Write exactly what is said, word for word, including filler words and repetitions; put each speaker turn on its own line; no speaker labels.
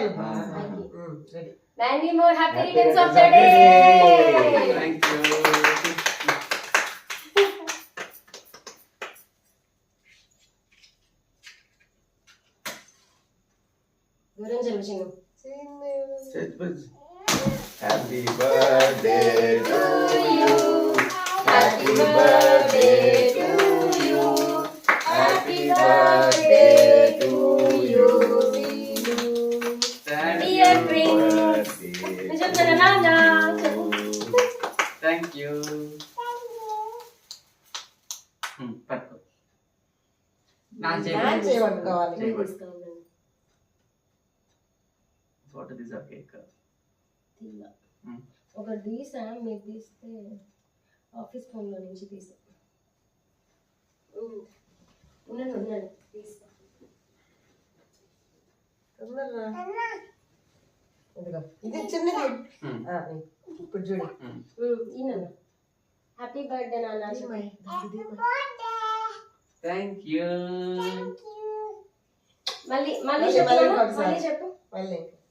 Many more happy returns of the day.
Thank you. Happy birthday to you. Happy birthday to you. Happy birthday to you.
Dear Prince.
Thank you. Hmm, పట్టుకో. నా చేయబట్టుకోవాలి. Photo తీసా cake.
ఒకటి తీసా మీరు తీస్తే office ఫోన్లో నుంచి తీసా ఉన్నాను ఉన్నాను తీసా
ఇది చిన్నది ఇప్పుడు చూడు
ఈయన హ్యాపీ బర్త్డే నాన్న
థ్యాంక్ యూ.
మళ్ళీ మళ్ళీ చెప్పు మళ్ళీ చెప్పు
మళ్ళీ